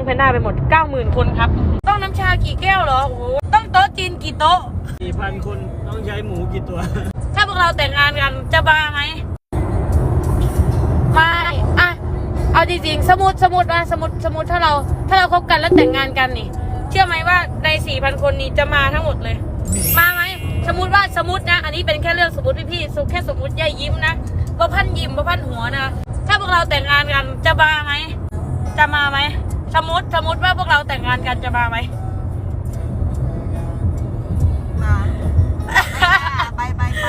พนด้าไปหมด 90,000 คนครับต้องน้ำชากี่แก้วเหรอโอ้โหต้องโต๊ะจีนกี่โต๊ะ 4,000 คนต้องใช้หมูกี่ตัวถ้าพวกเราแต่งงานกันจะมาไหมไม่อะเอาจริงๆสมมติถ้าเราคบกันแล้วแต่งงานกันนี่เชื่อไหมว่าใน 4,000 คนนี้จะมาทั้งหมดเลยมาไหมสมมตินะอันนี้เป็นแค่เรื่องสมมติพี่แค่สมมติย่ายิ้มนะว่าพันยิ้มว่าพันหัวนะถ้าพวกเราแต่งงานกันจะมาไหมจะมาไหมสมมติว่าพวกเราแต่งงานกันจะมาไหมมาไป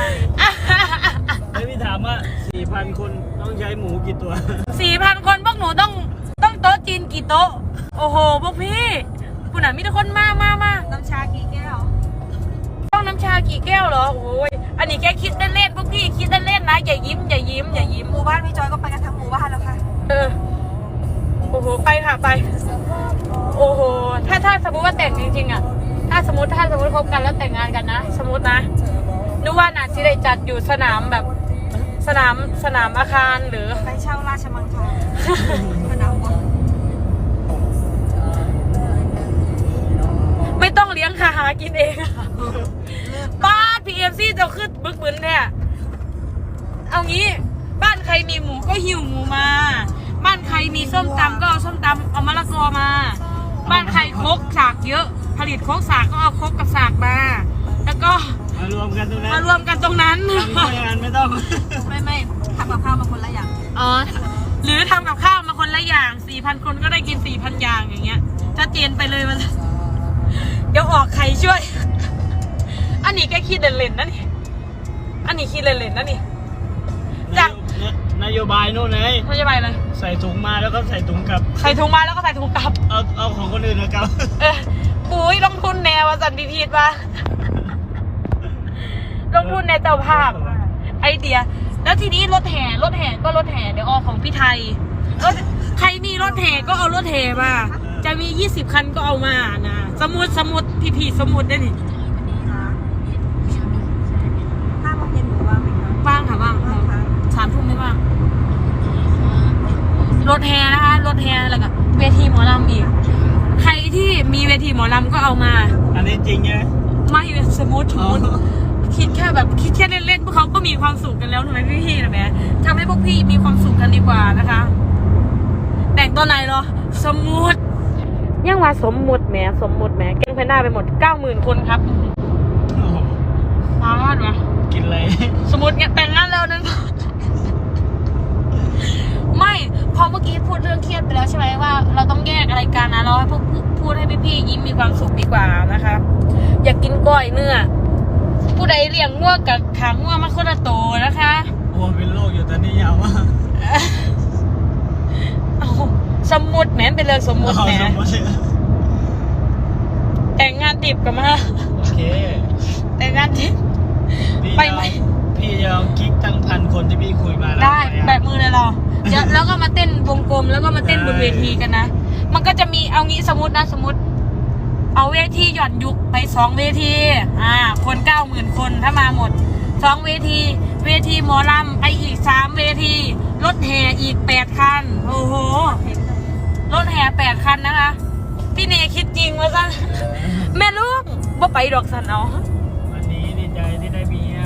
แล้วพี่ถามว่า 4,000 คนต้องใช้หมูกี่ตัว 4,000 คนพวกหนูต้องโต๊ะจีนกี่โต๊ะโอ้โหพวกพี่คุณน่ะมีแต่คนมาน้ำชากี่แก้วต้องน้ำชากี่แก้วเหรอโอ้ยอันนี้แกคิดเล่นๆพวกพี่คิดเล่นๆนะอย่ายิ้มหมู่บ้านพี่จอยก็ไปกันทั้งหมู่บ้านแล้วค่ะโอ้โหไปค่ะไปโอ้โหถ้าสมมติว่าแต่งจริงๆอ่ะถ้าสมมติคบกันแล้วแต่งงานกันนะสมมตินะนึกว่าน่ะสิได้จัดอยู่สนามแบบสนามอาคารหรือไปเช่าราชมังคลาสนามบอลไม่ต้องเลี้ยงค่ะหากินเองบ้าน PFC จะขึ้นบึกบึนแท้เอางี้บ้านใครมีหมูก็หิวหมูมาบ้านใครมีส้มตำก็เอาส้มตำเอามะละกอมาบ้านใครครกสากเยอะผลิตครกสากก็เอาครกกับสากมาแล้วก็มารวมกันตรงนั้นไม่ต้องไม่ทำกับข้าวมาคนละอย่างอ๋อหรือทำกับข้าวมาคนละอย่าง 4,000 คนก็ได้กิน 4,000 อย่างอย่างเงี้ยชัดเจนไปเลยมันเดี๋ยวออกใครช่วยอันนี้แกคิดเล่นๆนะนี่อันนี้คิดเล่นๆนะนี่จากนโยบายโน่นไงนโยบายเลยใส่ถุงมาแล้วก็ใส่ถุงกลับใส่ถุงมาแล้วก็ใส่ถุงกลับเอาของคนอื่นกลับปุ๋ยลงทุนแนวสันพีดป่ะลงทุนในเจ้าภาพไอเดียแล้วทีนี้รถแห่เดี๋ยวออกของพี่ไทยใครมีรถแห่ก็เอารถแห่มาจะมี20 คันก็เอามานะสมุดพี่สมุดได้นี่ 5 โมงเย็นหนูว่างไหมคะว่างค่ะว่าง3 ทุ่มไม่ว่างรถแห่นะคะรถแห่แล้วก็เวทีหมอลำอีกใครที่มีเวทีหมอลำก็เอามาอันนี้จริงไงไม่สมุดคิดแค่เล่นๆพวกเขาก็มีความสุขกันแล้วทำไมพี่นะแม่ทำให้พวกพี่มีความสุขกันดีกว่านะคะแต่งตัวไหนเหรอสมุดยังว่าสมมุติแหมแกงแพนด้าไปหมด 90,000 คนครับมาดวะกินอะไรสมุดเนี่ยแต่งงานแล้วนึงไม่พอเมื่อกี้พูดเรื่องเครียดไปแล้วใช่ไหมว่าเราต้องแยกอะไรกันนะเราให้พูดให้พี่ยิ้มมีความสุขดีกว่านะคะอยากกินก้อยเนื้อผู้ใดเลี้ยงงัวกับขางงัวมาคนละโตนะคะวัวเป็นโรคอยู่ตอนนี้ยาวมากสมมุติแหมเป็นเรื่องสมมุติแหมแต่งงานติบกันมาโอเคแต่งงานติบไปไหมพี่จะเอากิ๊กทั้ง1,000 คนที่พี่คุยมาได้แบบมือเลยเราแล้วก็มาเต้นวงกลมแล้วก็มาเต้นบนเวทีกันนะมันก็จะมีเอางี้สมมติเอาเวทีหย่อนยุกไป2 เวทีคน 90,000 คนถ้ามาหมด2 เวทีหมอลำไปอีก3 เวทีรถแห่อีก8 คันโอ้โหรถแห่8 คันนะคะพี่เนคิดจริงว่าซะแม่ลูกบ่ไปดอกสันเอาวันนี้ดีใจที่ได้เมีย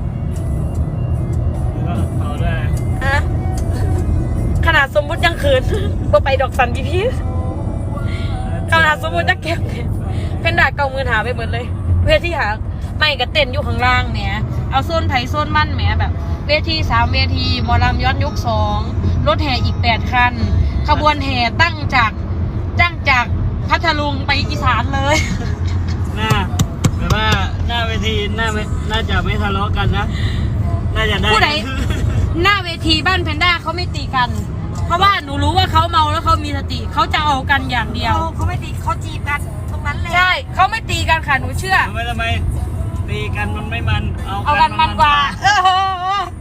แล้วก็ต่อด้วยขนาดสมมุติยังเขินบ่ไปดอกสันพี่ขนาดสมมุติจะเก็บเป็นดาเก่ามือหาไปหมดเลยเวทีหาไม่กระเต้นอยู่ข้างล่างเนี่ยเอาโซนไผ่โซนมั่นแหมแบบเวที3 เวทีหมอลำย้อนยุค2รถแห่อีก8 คันขบวนแห่ตั้งจากพัทลุงไปอีสานเลยแบบว่าหน้าเวทีน่าจะไม่ทะเลาะกันนะน่าจะได้ผู้ใดหน้าเวทีบ้านแพนด้าเขาไม่ตีกันเพราะว่าหนูรู้ว่าเขาเมาแล้วเขามีสติเขาจะเอากันอย่างเดียวเขาไม่ตีเขาจีบกันตรงนั้นเลยใช่เขาไม่ตีกันค่ะหนูเชื่อทำไมตีกันมันไม่มันเอากันมันกว่า